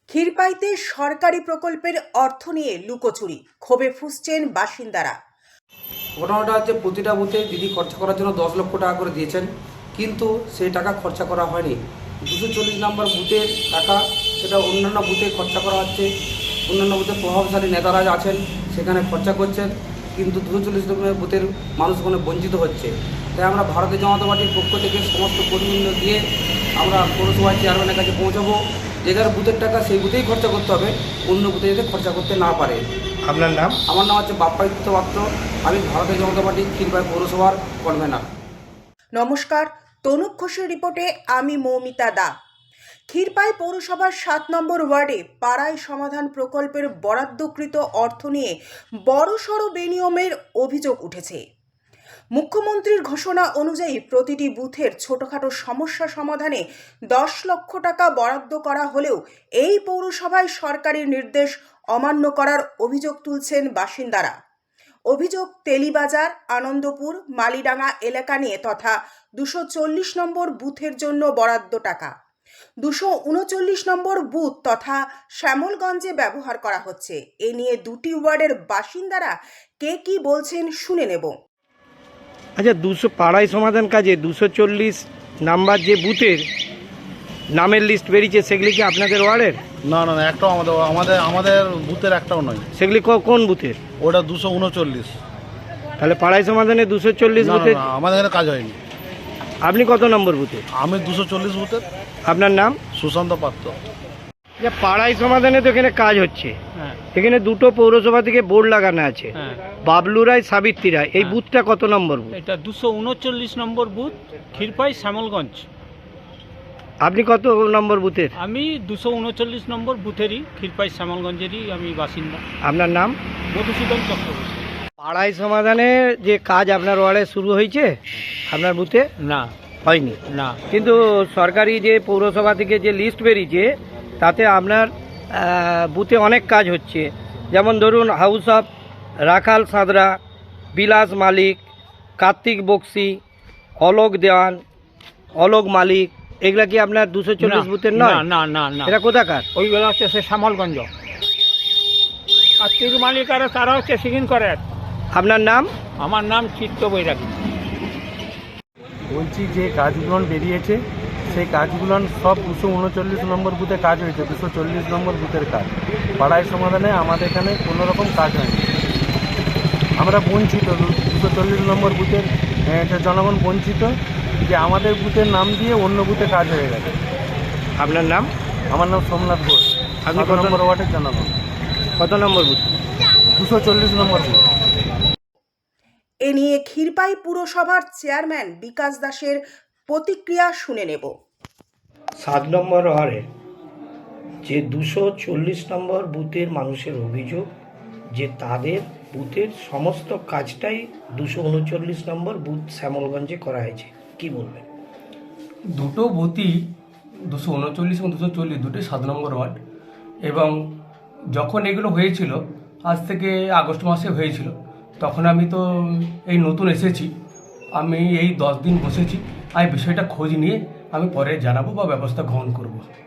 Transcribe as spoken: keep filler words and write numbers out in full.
ক্ষীরপাইতে সরকারি প্রকল্পের অর্থ নিয়ে লুকোচুরি, ক্ষোভে ফুঁসছেন বাসিন্দারা। ঘটনাটা হচ্ছে প্রতিটা বুথে দিদি খরচা করার জন্য দশ লক্ষ টাকা করে দিয়েছেন, কিন্তু সেই টাকা খরচা করা হয়নি। দুশো চল্লিশ নম্বর বুথের টাকা সেটা অন্যান্য বুথে খরচা করা হচ্ছে। অন্যান্য বুথে প্রভাবশালী নেতারা আছেন, সেখানে খরচা করছেন, কিন্তু দুশো চল্লিশ নম্বর বুথের মানুষ ওখানে বঞ্চিত হচ্ছে। তাই আমরা ভারতীয় জনতা পার্টির পক্ষ থেকে সমস্ত কর্মীবৃন্দ দিয়ে আমরা পৌরসভার চেয়ারম্যানের কাছে পৌঁছাবো। যে যার বুথের টাকা সেই বুথেই খরচা করতে হবে, অন্য বুথে যাতে খরচা করতে না পারে। আপনার নাম? আমার নাম হচ্ছে বাপ্পাদিত্য পাত্র, আমি ভারতীয় জনতা পার্টি ক্ষীরপাই পৌরসভার কনভেনার। নমস্কার, তনুপ ঘোষের রিপোর্টে আমি মৌমিতা দা। ক্ষীরপাই পৌরসভার সাত নম্বর ওয়ার্ডে পাড়ায় সমাধান প্রকল্পের বরাদ্দকৃত অর্থ নিয়ে বড়সড় বেনিয়মের অভিযোগ উঠেছে। মুখ্যমন্ত্রীর ঘোষণা অনুযায়ী প্রতিটি বুথের ছোটখাটো সমস্যা সমাধানে দশ লক্ষ টাকা বরাদ্দ করা হলেও এই পৌরসভায় সরকারি নির্দেশ অমান্য করার অভিযোগ তুলছেন বাসিন্দারা। অভিযোগ তেলিবাজার, আনন্দপুর, মালিডাঙ্গা এলাকা নিয়ে তথা দুশো চল্লিশ নম্বর বুথের জন্য বরাদ্দ টাকা দুশো উনচল্লিশ নম্বর বুথ তথা শ্যামলগঞ্জে ব্যবহার করা হচ্ছে। এ নিয়ে দুটি ওয়ার্ডের বাসিন্দারা কে কি বলছেন শুনে নেব। আচ্ছা, দুশো পাড়ায় সমাধান কাজে দুশো চল্লিশ নাম্বার যে বুথের নামের লিস্ট বেরিয়েছে, সেগুলি কি আপনাদের ওয়ার্ডের? না না না, একটাও আমাদের আমাদের আমাদের বুথের একটাও নয়। সেগুলি কোন বুথের? ওটা দুশো উনচল্লিশ। তাহলে পাড়ায় সমাধানে দুশো চল্লিশ না বুথের না, আমাদের এখানে কাজ হয়নি। আপনি কত নম্বর বুথে? আমি দুশো চল্লিশ বুথের। আপনার নাম? সুশান্ত পাত্র। যে পাড়ায় সমাধানে তো এখানে কাজ হচ্ছে, এখানে দুটো পৌরসভা থেকে বোর্ড লাগানো আছে, বাবলু রায়, সাবিত্রী রায়। এই বুথটা কত নম্বর বুথ? এটা দুশো উনচল্লিশ নম্বর বুথ, ক্ষীরপাই শ্যামলগঞ্জ। আপনি কত নম্বর বুথের? আমি দুশো উনচল্লিশ নম্বর বুথেরই, ক্ষীরপাই শ্যামলগঞ্জেরই আমি বাসিন্দা। আপনার নাম? মধুসূদন চক্রবর্তী। পাড়ায় সমাধানে যে কাজ আপনার ওয়ার্ডে শুরু হয়েছে, আপনার বুথে না হয়নি? না, কিন্তু সরকারি যে পৌরসভা থেকে যে লিস্ট বেরিয়েছে তাতে আপনার বুথে অনেক কাজ হচ্ছে। যেমন ধরুন, হাউস অফ রাখাল সাঁতরা, বিলাস মালিক, কার্তিক বক্সি, অলোক দেওয়ান, অলোক মালিক, এগুলা কি আপনার দুশো চল্লিশ বুথের নয়? না না না, এটা কোথাকার? ওইগুলো হচ্ছে সে শ্যামলগঞ্জ। আর তির মালিক আর তারা হচ্ছে সিগিন করে। আপনার নাম? আমার নাম চিত্ত বৈরাগী। বলছি যে কাজগুলো বেরিয়েছে, সেই কাজগুলো সব দুশো উনচল্লিশ নম্বর বুথে কাজ হয়েছে। দুশো চল্লিশ নম্বর বুথের কাজ পাড়ায় সমাধানে আমাদের এখানে কোনো রকম কাজ হয়নি। আমরা বঞ্চিত, দুশো চল্লিশ নম্বর বুথের জনগণ বঞ্চিত যে আমাদের বুথের নাম দিয়ে অন্য বুথে কাজ হয়ে গেছে। আপনার নাম? আমার নাম সোমনাথ ঘোষ। আপনি কত নম্বর ওয়ার্ডের জনগণ? কত নম্বর বুথ? দুশো চল্লিশ নম্বর বুথ। এ নিয়ে ক্ষীরপাই পুরসভার চেয়ারম্যান বিকাশ দাসের প্রতিক্রিয়া শুনে নেব। সাত নম্বর ওয়ার্ডে যে দুশো চল্লিশ নম্বর বুথের মানুষের অভিযোগ যে তাদের বুথের সমস্ত কাজটাই দুশো উনচল্লিশ নম্বর বুথ শ্যামলগঞ্জে করা হয়েছে, কি বলবেন? দুটো বুথই দুশো উনচল্লিশ এবং দুশো চল্লিশ দুটোই সাত নম্বর ওয়ার্ড। এবং যখন এগুলো হয়েছিল, আজ থেকে আগস্ট মাসে হয়েছিল, তখন আমি তো এই নতুন এসেছি, আমি এই দশ দিন বসেছি। আর বিষয়টা খোঁজ নিয়ে আমি পরে জানাবো বা ব্যবস্থা গ্রহণ করব।